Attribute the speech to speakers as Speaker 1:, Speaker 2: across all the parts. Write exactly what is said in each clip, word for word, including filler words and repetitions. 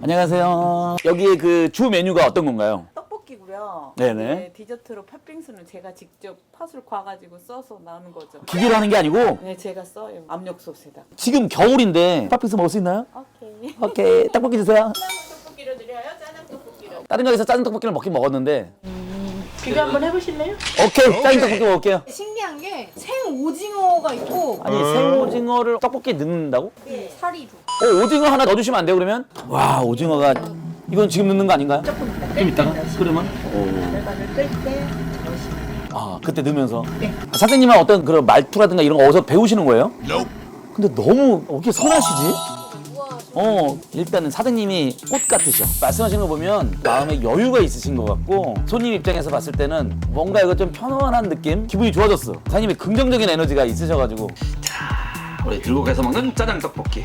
Speaker 1: 안녕하세요. 여기에 그 주 메뉴가 어떤 건가요?
Speaker 2: 떡볶이고요.
Speaker 1: 네네.
Speaker 2: 네, 디저트로 팥빙수는 제가 직접 팥을 과가지고 써서 나오는 거죠.
Speaker 1: 기계로 하는 게 아니고
Speaker 2: 네, 제가 써요. 압력솥에다.
Speaker 1: 지금 겨울인데 팥빙수 먹을 수 있나요?
Speaker 2: 오케이.
Speaker 1: 오케이. 떡볶이 주세요.
Speaker 2: 떡볶이로 드려요? 짜장 떡볶이로.
Speaker 1: 다른 가게에서 짜장 떡볶이를 먹긴 먹었는데
Speaker 2: 비교 한번 해보실래요?
Speaker 1: 오케이. 짜장 떡볶이 먹을게요.
Speaker 3: 신기한 게 생오징어가 있고
Speaker 1: 아니 생오징어를 떡볶이에 넣는다고?
Speaker 3: 살이 좀
Speaker 1: 어, 오징어 하나 넣어주시면 안 돼요 그러면? 와 오징어가 이건 지금 넣는 거 아닌가요? 조금 이따 좀 이따가? 그러면?
Speaker 2: 결과를 끌때
Speaker 1: 아 그때 넣으면서 아, 선생님은 어떤 그런 말투라든가 이런 거 어디서 배우시는 거예요? 근데 너무 어떻게 선하시지? 어 일단은 사장님이 꽃 같으셔. 말씀하시는 거 보면 마음에 여유가 있으신 것 같고 손님 입장에서 봤을 때는 뭔가 이거 좀 편안한 느낌? 기분이 좋아졌어. 사장님이 긍정적인 에너지가 있으셔가지고. 자 우리 들고 가서 먹는 짜장 떡볶이.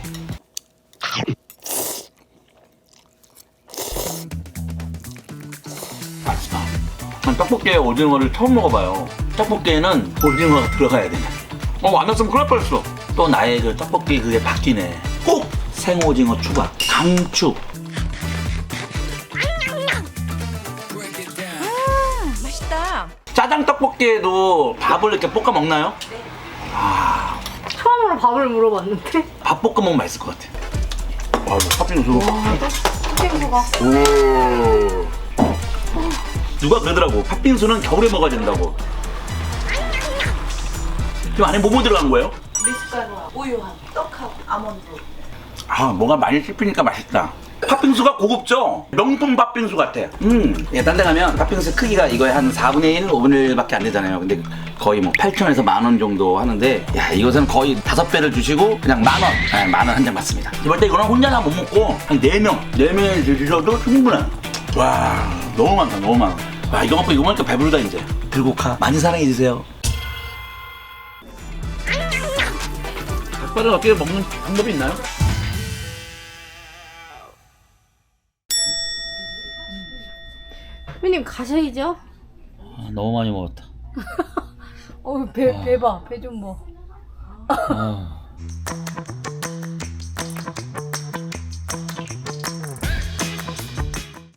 Speaker 1: 맛있다. 난 떡볶이에 오징어를 처음 먹어봐요. 떡볶이에는 오징어가 들어가야 되네. 어, 안 넣었으면 큰일 날 뻔했어. 또 나의 그 떡볶이 그게 바뀌네. 꼭 생오징어 추가, 강추.
Speaker 3: 맛있다.
Speaker 1: 짜장 떡볶이에도 밥을 이렇게 볶아 먹나요? 네. 아,
Speaker 3: 처음으로 밥을 물어봤는데
Speaker 1: 밥 볶아 먹으면 맛있을 것 같아. 아, 이거 팥빙수.
Speaker 3: 팥빙수가
Speaker 1: 오. 누가 그러더라고. 팥빙수는 겨울에 먹어야 된다고. 지금 안에 뭐뭐 들어간 거예요?
Speaker 2: 미숫가루와 우유하고 떡하고 아몬드.
Speaker 1: 아, 뭐가 많이 씹히니까 맛있다. 팥빙수가 고급져. 명품 팥빙수 같아. 음, 예, 딴 데 가면 팥빙수 크기가 이거의 한 사분의 일, 오분의 일밖에 안 되잖아요. 근데 거의 뭐 팔천 원에서 만 원 정도 하는데, 야, 이것은 거의 다섯 배를 주시고 그냥 만 원, 네, 만 원 한 잔 받습니다. 이럴 때 이거는 혼자는 못 먹고 한 네 명, 네 명이 드셔도 충분해. 와, 너무 많다, 너무 많아. 와, 이거 먹고 이거 먹으니까 배부르다 이제. 들고 가. 많이 사랑해 주세요. 닭발을 어떻게 먹는 방법이 있나요?
Speaker 3: 선배님 가셔야죠.
Speaker 1: 아, 너무 많이 먹었다.
Speaker 3: 어배 배 봐. 배 좀 봐.
Speaker 1: 아.